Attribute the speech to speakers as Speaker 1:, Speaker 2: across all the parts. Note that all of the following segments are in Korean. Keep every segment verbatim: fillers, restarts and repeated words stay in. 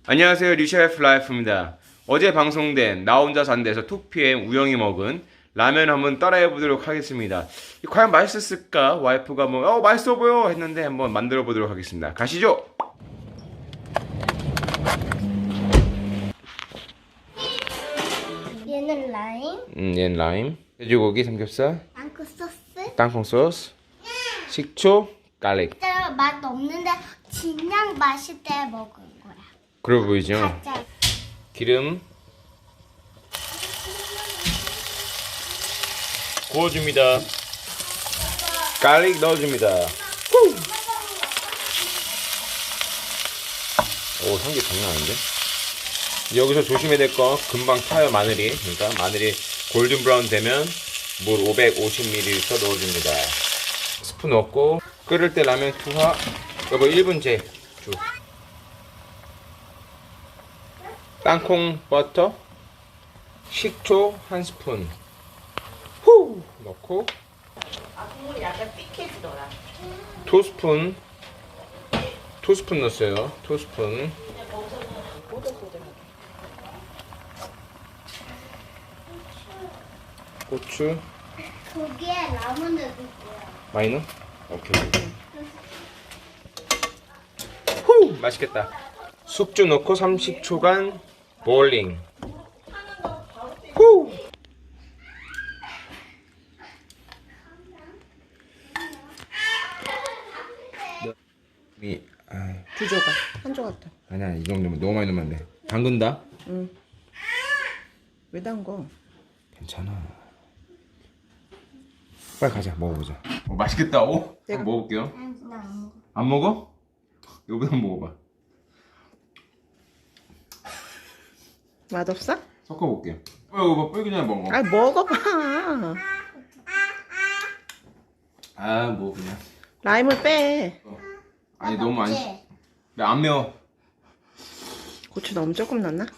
Speaker 1: 안녕하세요, 리셰프 라이프입니다. 어제 방송된 나 혼자 산대에서 투피엠 우영이 먹은 라면 한번 따라해 보도록 하겠습니다. 과연 맛있었을까? 와이프가 뭐 어 맛있어 보여 했는데 한번 만들어 보도록 하겠습니다. 가시죠.
Speaker 2: 얘는 라임,
Speaker 1: 음, 얘는 라임, 돼지고기, 삼겹살,
Speaker 2: 땅콩 소스.
Speaker 1: 땅콩 소스, 식초, 갈릭.
Speaker 2: 진짜 맛 없는데 그냥 맛있을 때 먹은 거야.
Speaker 1: 그래 보이죠?
Speaker 2: 가짜.
Speaker 1: 기름 구워줍니다. 갈릭 넣어줍니다. 후! 오, 향기 장난 아닌데? 여기서 조심해야 될 거 금방 타요, 마늘이. 그러니까 마늘이 골든 브라운 되면 물 오백오십 밀리리터 넣어줍니다. 스프 넣고 끓을 때 라면 투하. 여보 일 분 재. 쭉. 땅콩 버터, 식초 한 스푼 후 넣고
Speaker 3: 아, 국물이 약간 삐해지더라.
Speaker 1: 두 스푼 두 스푼 넣었어요. 두 스푼
Speaker 3: 그냥 거기서 꼬들꼬들하게.
Speaker 1: 고추
Speaker 2: 거기에 라면을 넣을 거야.
Speaker 1: 많이 넣어? 오케이. 후 맛있겠다. 숙주 넣고 삼십 초간 볼링. 후 이 아,
Speaker 3: 두 조각. 한 조각 더.
Speaker 1: 아니야 이 정도면 너무 많이 넣으면 안 돼. 담근다?
Speaker 3: 응. 왜 담궈?
Speaker 1: 괜찮아. 빨리 가자 먹어보자. 어, 맛있겠다. 오?
Speaker 3: 내가-
Speaker 1: 한번 먹어볼게요.
Speaker 2: 난 그냥 안 먹어.
Speaker 1: 안 먹어? 이거보다 한번 먹어봐.
Speaker 3: 맛없어?
Speaker 1: 섞어볼게. 어 이거 봐 뿔기 전에 먹어.
Speaker 3: 아, 먹어봐.
Speaker 1: 아 뭐 그냥.
Speaker 3: 라임을 빼.
Speaker 1: 어. 아니 너무 안.
Speaker 2: 먹지?
Speaker 1: 나 안 매워.
Speaker 3: 고추 너무 조금 넣나?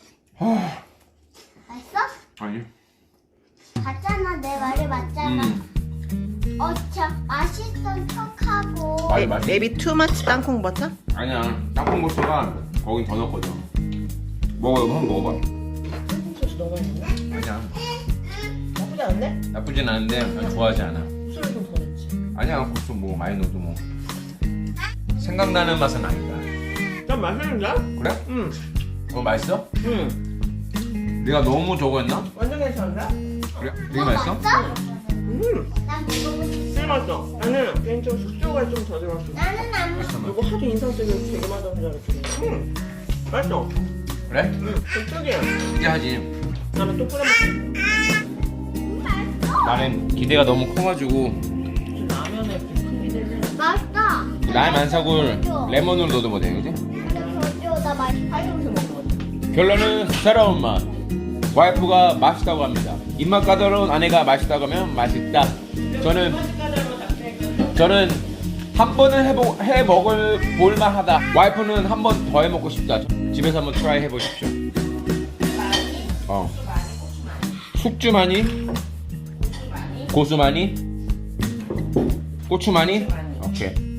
Speaker 2: 맛있어?
Speaker 1: 아니.
Speaker 2: 맞잖아, 내 말이 맞잖아.
Speaker 1: 음.
Speaker 2: 어, 저 맛있던 척하고.
Speaker 1: 아니 맛있.
Speaker 3: Maybe too much 땅콩 버터?
Speaker 1: 아니야. 땅콩 버터가 거긴 더 넣거든. 먹어 이거 한번 먹어봐.
Speaker 3: 땅콩 소스 너무 많이 넣나?
Speaker 1: 아니야.
Speaker 3: 나쁘지 않네?
Speaker 1: 나쁘진 않은데 난 좋아하지 않아.
Speaker 3: 술을 좀 더 넣지.
Speaker 1: 아니야 고추 뭐 많이 넣어도 뭐. 생각나는 맛은 아니다.
Speaker 3: 좀 맛있는데?
Speaker 1: 그래?
Speaker 3: 응.
Speaker 1: 어 맛있어?
Speaker 3: 응.
Speaker 1: 내가 너무 저거 했나?
Speaker 3: 완전 괜찮은데?
Speaker 1: 그래? 되게 맛있어?
Speaker 3: 응.
Speaker 2: 난 먹어보고 싶어.
Speaker 3: 술 맛있어. 나는 개인적으로 숙주가 좀 더 들어갔어.
Speaker 2: 나는 안 먹어.
Speaker 3: 이거 하도 인상 쓰고 되게 맛없는 줄 알았더니. 응. 맛있어.
Speaker 1: 그래?
Speaker 3: 응. 좀 특이해.
Speaker 1: 특이하지.
Speaker 3: 다음에 또 끓여 먹자.
Speaker 1: 나는 기대가 너무 커가지고
Speaker 3: 라면에 큰 기대를.
Speaker 2: 맛있다.
Speaker 1: 라임 안 사고 레몬으로 넣어도 못해 그지?
Speaker 2: 근데 저기요, 나 맛있어.
Speaker 3: 팔려서 먹는 거지.
Speaker 1: 결론은 새로운 맛. 와이프가 맛있다고 합니다. 입맛 까다로운 아내가 맛있다고 하면 맛있다. 저는 저는 한 번은 해보, 해 먹을 볼만하다. 와이프는 한 번 더 해 먹고 싶다. 집에서 한번 트라이 해보십시오. 어. 숙주 많이, 고수 많이, 고추 많이. 오케이.